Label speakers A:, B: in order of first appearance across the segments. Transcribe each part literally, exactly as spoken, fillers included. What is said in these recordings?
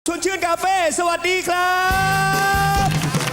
A: ชวนชื่นคาเฟ่สวัสดีครับ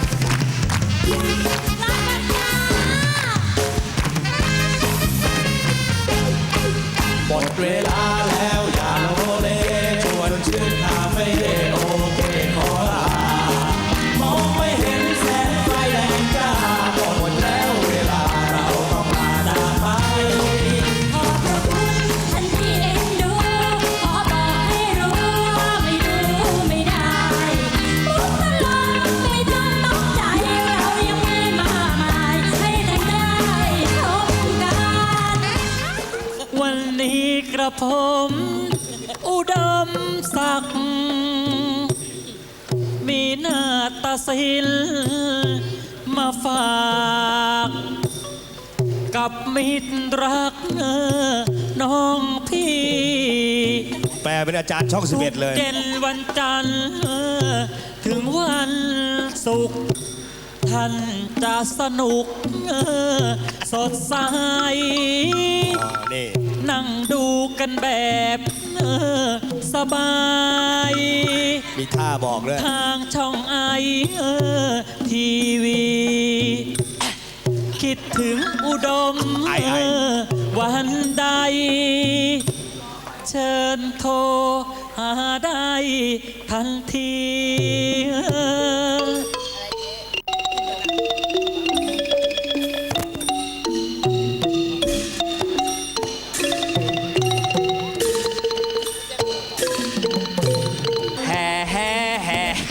B: หมดเวลาแล้วอย่าโลเลชวนชื่นคาเฟ่โอเคขอลามองไม่เห็นแสงไฟแรงจ้าหมดแล้วเวลาเราต้องมาจากไป
C: ขอบพระคุณท่านที่เอ็นดูขอบอกให้รู้ว่าไม่ดูไม่ได้มุกตลกไม่ต้องตกใจเรายังมีมากมายให้แต่ได้ชมกัน
D: วันนี้กระผม อุดมศักดิ์มีหน้าตาศิลมาฝากกับมิตรรักน้องพี่
A: แปลเป็นอาจารย์ช่องสิบเอ็ดเลย
D: เย็นวันจันทร์ถึงวันศุกร์ท่านจะสนุกสดใส
A: นี่
D: นั่งดูกันแบบสบาย
A: มีท่าบอกเลย
D: ทางช่องไอทีวี คิดถึงอุดม
A: ไอไอ
D: วันใด เชิญโทรหาได้ทันที
A: แห่แห่แห่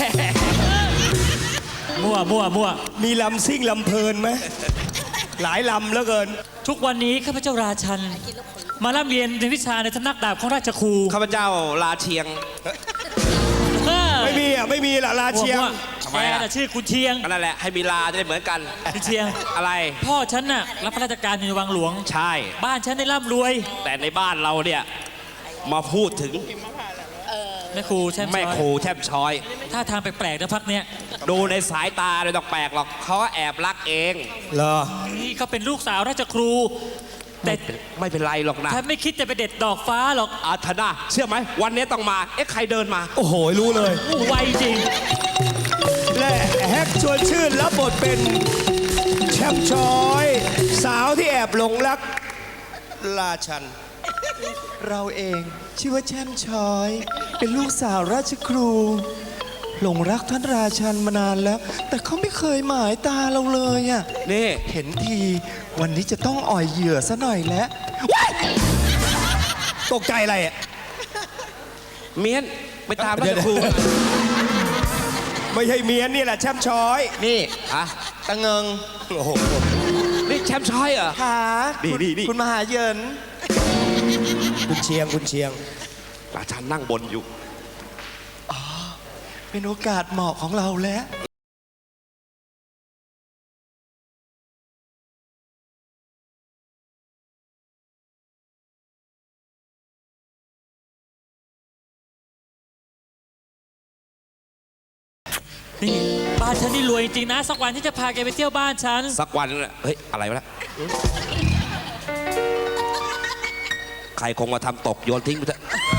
D: มั่วมั่วมั่ว
A: มีลำซิ่งลำเพลินไหมหลายลำแล้วเกิน
D: ทุกวันนี้ข้าพเจ้าราชัน มาร่ำเรียนในวิชาในสำนักดาบของราชครู
E: ข้าพเจ้าลาเชียง
A: ไม่มีอ่ะไม่มีละลาเชียง
E: ทำไม
D: แก
E: อะ
D: น่ะชื่อคุณเชียง
E: ก็นั่นแหละให้มีลาจะได้เหมือนกัน
D: คุณเชียง
E: อะไร
D: พ่อฉันน่ะรับพระราชการอยู่ในวังหลวง
E: ใช่
D: บ้านฉันได้ร่ำรวย
E: แต่ในบ้านเราเนี่ยมาพูดถึง
D: แม่ครูใช่ไหม
E: แม่ครูแทบช้อย
D: ท่าทางแปลกๆนะพักเนี้ย
E: ดูในสายตาเลยต้องแปลกหรอกเขาแอบรักเอง
A: เหรอ
D: นี่เขาเป็นลูกสาวราชครู แต่
E: ไม่เป็นไรหรอกนะ
D: ฉันไม่คิดจะไปเด็ดดอกฟ้าหรอก
E: อาธนาเชื่อไหมวันนี้ต้องมาเอ๊ะใครเดินมา
A: โอ้โหรู้เลย
D: ไวจริง
A: และแฮกชวนชื่นรับบทเป็นแชมป์ชอย สาวที่แอบหลงรักราชัน
B: เราเองชื่อว่าแช่มช้อย เป็นลูกสาวราชครู หลงรักท่านราชันมานานแล้ว แต่เขาไม่เคยหมายตาเราเลยอ่ะ
E: นี่
B: เห็นทีวันนี้จะต้องอ่อยเหยื่อซะหน่อยแล้ว
A: ตกใจอะไรอ่ะ
E: เมียนไปตามราชครู
A: ไม่ใช่เมียนนี่แหละแชมป์ชอย
B: นี่
E: อะ
B: ตะเงิง
A: โอ้โห
E: นี่แชมป์ช้อยเหรอ
B: ขา
E: นี่
B: คุณ
E: นี่นี่
B: คุณมหาเหยิน
A: คุณเชียงคุณเชียง
E: ราชันนั่งบนอยู่
B: เป็นโอกาสเหมาะของเราแล้ว
D: นี่บ้านฉันนี่รวยจริงนะ สักวันที่จะพาแกไปเที่ยวบ้านฉัน
E: สักวันนึงน่ะเฮ้ย อะไรวะเนี่ยใครคงมาทำตกโยนทิ้งไปเถอะ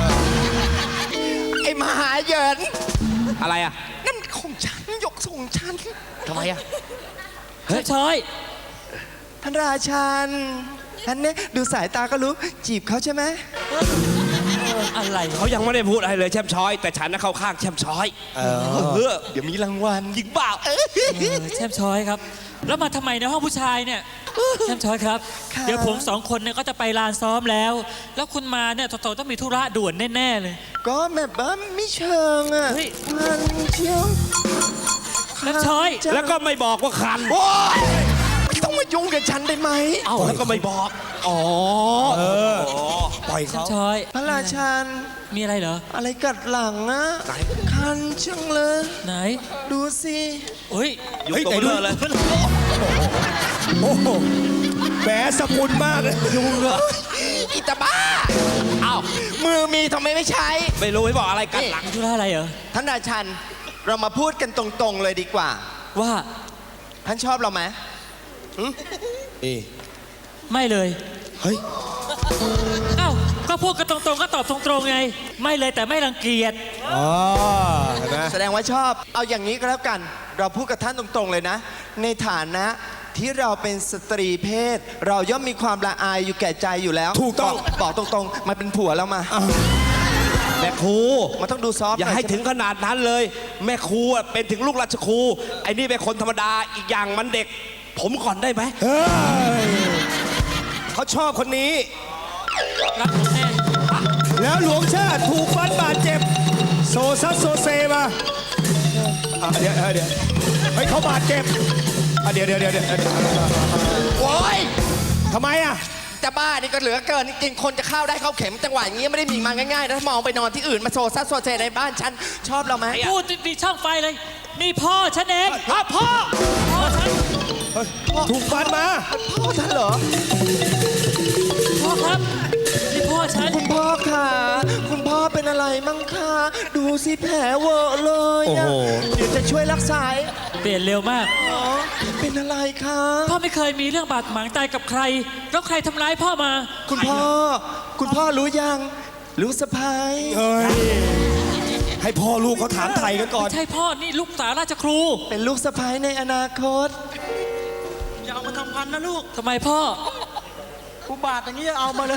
B: ไอ้มหาเหยิน
E: อะไรอ่ะ
B: นั่นของฉันยกส่งฉัน
E: ทำไมอ่ะ
D: เฮ้ยช้อย
B: ท่านราชันท่านเนี่ยดูสายตาก็รู้จีบเขาใช่ไหม
D: อะไร
E: เขายังไม่ได้พูดอะไรเลยแชมป์ช้อย แต่ฉันน่ะเข้าข้างแชมป์ช้อย
A: เอ
E: เออ
B: เดี๋ยวมีรางวัล
E: จริงเปล่า
D: เออแช่มช้อยครับ แล้วมาทำไมในห้องผู้ชายเนี่ยแช่มช้อยครับ เดี๋ยวผมสองคนเนี่ยก็จะไปลานซ้อมแล้ว แล้วคุณมาเนี่ยโตๆต้องมีธุระด่วนแน่ๆเลย
B: ก็แบบว่าไม่เชิงอ่ะ
D: เฮ้ย
B: มันเชียว
D: แช่มช้อย
E: แล้วก็ไม่บอกว่าคัน
B: โอ๊ยไม่ต้องมายุ่งกับฉันได้ไหม
E: เอ้าแล้วก็ไม่บอก อ๋อ
A: เออ ปล่อย
D: แช่ม
A: เขา
D: ช้อย
B: พระราชัน
D: มีอะไรเหรอ
B: อะไรกัดหลังอ่ะ
E: ไหน
B: คันจังเลย
D: ไหน
B: ดูสิ
D: เฮ้ย
E: อยู่
A: เฮ้ย
E: ตรง
A: แต่ดู
E: เรือเลย
A: โอ้โหแหมสกุลมากเลยยุงเหรอ
B: อิตาบ้าอ้าวมือมีทำไมไม่ใช้
E: ไม่รู้ให้บอกอะไรกันหลัง
D: มีธุระอะไรเหรอ
B: ท่านราชัน เรามาพูดกันตรงๆเลยดีกว่า
D: ว่า
B: ท่านชอบเราไหม
A: นี่
D: ไม่เลย
A: เฮ้ย
D: เอ้าก็ก็พูดกันตรงๆก็ตอบตรงๆไง ไม่เลยแต่ไม่รังเกียจ
A: อ๋อเห็นไหม
F: แสดงว่าชอบ เอาอย่างนี้ก็แล้วกัน เราพูดกับท่านตรงๆเลยนะ ในฐานะที่เราเป็นสตรีเพศ เราย่อมมีความละอายอยู่แก่ใจอยู่แล้ว
A: ถูกต้อง
F: บบอกตรงๆ มาเป็นผัวแล้วมา
E: แม่ครู
F: มันต้องดูซอฟต์
E: อย่าให้ถึงขนาดนั้นเลย แม่ครูอะเป็นถึงลูกราชครูไอ้นี่เป็นคนธรรมดาอีกอย่างมันเด็ก ผมก่อนได้ไหม
A: เฮ้ยเขาชอบคนนี้
D: รักผมแน่
A: แล้วหลวงชาติถูกฟันบาดเจ็บ โซซัสโซเซมาอ่ะเดี๋ยวเออเดี๋ยวเฮ้ยเขาบาดเจ็บอ่ะเดี๋ยวเดี๋ยวเดี๋ยวเดี๋ยว
F: โอ้ย
A: ทำไมอ่ะ
F: จะบ้านี่ก็เหลือเกินจริงๆคนจะเข้าได้เข้าเข็มจังหวะอย่างนี้ไม่ได้มีมาง่ายๆนะถ้ามองไปนอนที่อื่นมาโซซัสโซเซในบ้านฉันชอบเราไหม
D: พูดมีช่องไฟเลย นี่พ่อฉันเอง
A: พ่อพ่อ
D: พ่อฉัน
A: เฮ้ยถูกฟันมา
F: พ่อท่านเหรอ
D: พ่อครับ นี่พ่อฉัน
F: คุณพ่อคะคุณพ่อเป็นอะไรมั่งคะดูสิแผลเวอะเลยอะเดี๋ยวจะช่วยรักษา
D: เปลี่ยนเร็วมาก
F: อ๋อเป็นอะไรคะ
D: พ่อไม่เคยมีเรื่องบาดหมางใจกับใคร แล้วใครทำร้ายพ่อมา
F: คุณพ่อ คุณพ่อรู้ยังรู้สะพาย
A: เฮ้ยให้พ่อลูกเขาถามไทยกันก่อน
D: ไม่ใช่พ่อ นี่ลูกสาวราชครู
F: เป็นลูกสะพายในอนาคต
B: อย่าเอามาทำพันนะลูก
D: ทำไมพ่อ
B: กูบาดอย่างนี้เอามาเลย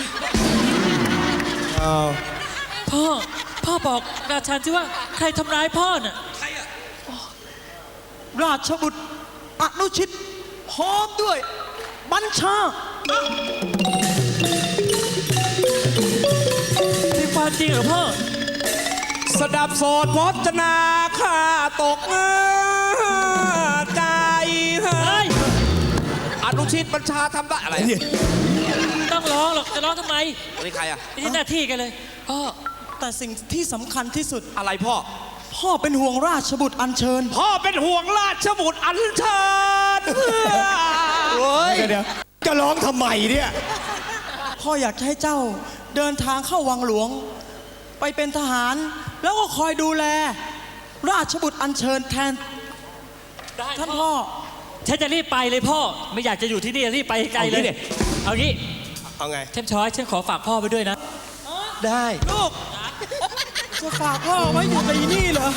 D: พ่อ พ่อบอกราชันที่ว่าใครทำร้ายพ่อน่ะ
B: ราชบุตรอนุชิตพร้อมด้วย บัญชา
D: เป็นความจริงเหรอพ่อ
E: สดับโสดพจนาข้าตกใจ
D: เฮ้ย
E: อนุชิตบัญชาทำได้อะไร
D: ไม่ต้องร้องหรอก จะร้องทำไม
E: นี่ใครอะ
D: ไม่ใช่หน้าที่กันเลย พ่อ
B: แต่สิ่งที่สำคัญที่สุด
E: อะไรพ่อ
B: พ่อเป็นห่วงราชบุตรอัญเชิญ
E: พ่อเป็นห่วงราชบุตรอัญเชิญ
F: โอ้ย
A: เดี๋ยวเดี๋ยวจะร้องทำไมเนี่ย
B: พ่ออยากจะให้เจ้าเดินทางเข้าวังหลวง ไปเป็นทหาร แล้วก็คอยดูแล ราชบุตรอัญเชิญแทน
D: ได้
B: ท่านพ่อ
D: ฉันจะรีบไปเลยพ่อ ไม่อยากจะอยู่ที่นี่รีบไปไกลเลย เอางี้
A: เอาไง
D: เทมช้อยฉันขอฝากพ่อไปด้วยนะ
F: ได้
B: ลูก จะฝากพ่อไว้อยู่กับอีนี่เหรอ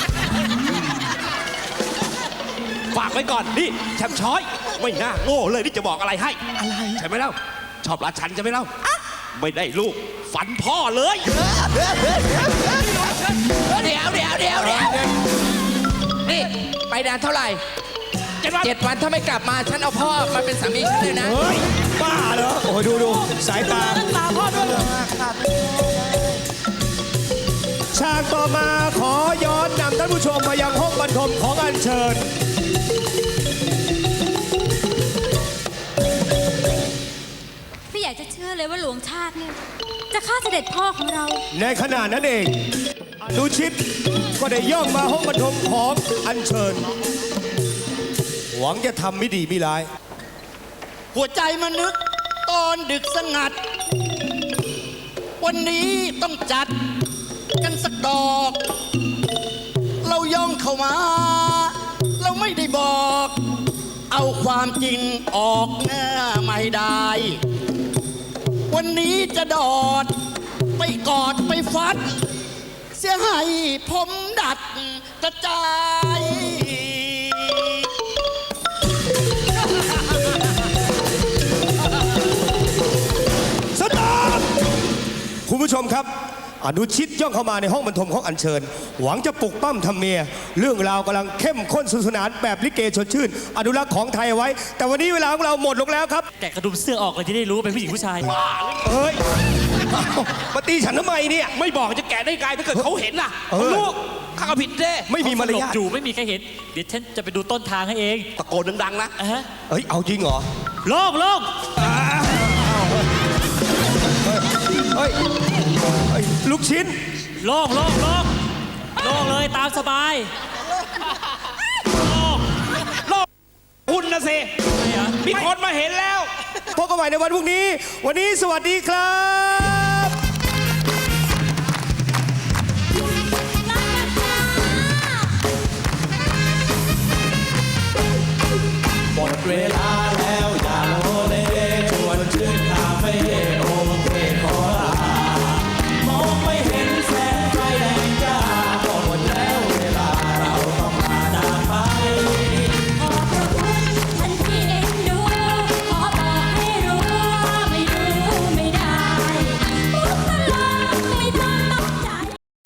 E: ฝากไว้ก่อน นี่แชมป์ช้อย ไม่น่าโง่เลยที่จะบอกอะไรให้
B: อะไร
E: ใช่ไหมเล่า ชอบราชันใช่ไหมเล่า ไม่ได้ลูก ฝันพ่อเลย
F: เดี๋ยวเดี๋ยวเดี๋ยวเดี๋ยวนี่ไปนานเท่าไหร่
E: เจ็ดวัน
F: เจ็ดวันถ้าไม่กลับมาฉันเอาพ่อมาเป็นสามีฉันเลยนะ
A: เฮ้ย บ้าเหรอ โอ้ยดูดูสายตา
B: ตาพ่อด้วย
A: ฉากต่อมาขอย้อนนำท่านผู้ชมมายังห้องบรรทมของอัญเชิญ
C: ไม่อยากจะเชื่อเลยว่าหลวงชาติเนี่ยจะฆ่าเสด็จพ่อของเรา
A: ในขณะนั้นเองอนุชิตก็ได้ย่องมาห้องบรรทมของอัญเชิญ หวังจะทำไม่ดีไม่ร้าย
B: หัวใจมันนึกตอนดึกสงัด วันนี้ต้องจัดกันสักดอก เราย่องเข้ามา เราไม่ได้บอก เอาความจริงออกหน้าไม่ได้ วันนี้จะดอด ไปกอดไปฟัด เสียให้ผมดัดกระจาย
A: สตาร์ทคุณผู้ชมครับ อนุชิตย่องเข้ามาในห้องบรรทมของอัญเชิญ หวังจะปลุกปั้มทำเมีย เรื่องราวกำลังเข้มข้นสนุกสนานแบบลิเกชวนชื่น อนุรักษ์ของไทยเอาไว้ แต่วันนี้เวลาของเราหมดลงแล้วครับ
D: แกะกระดุมเสื้อออกเลยจะได้รู้ว่าเป็นผู้หญิงผู้ชาย
A: เฮ้ยเอ้ามาตีฉันทำไมเนี่ย
E: ไม่บอกจะแกะได้ไงถ้าเกิดเขาเห็นล่ะ
A: เออ
E: เขารู้ข้าก็ผิดเด้
A: ไม่มีมาร
D: หลบ
A: ยาท
D: อยู่ไม่มีใครเห็น เดี๋ยวฉันจะไปดูต้นทางให้เอง
E: ตะโกนดังๆนะ
D: อ่ะฮะ
A: เฮ้ย เอาจริงเหรอ
D: โล่งโล่ง
A: เฮ้ยเฮ้ย ลูกชิ้น
D: โล่งโล่งโล่งโล่งเลยตามสบาย
E: คุณนะสิ
D: ไม่เหรอ
E: มีคนมาเห็นแล้ว
A: พบกันใหม่ในวันพรุ่งนี้ วันนี้สวัสดีครับ
B: หมดเวลา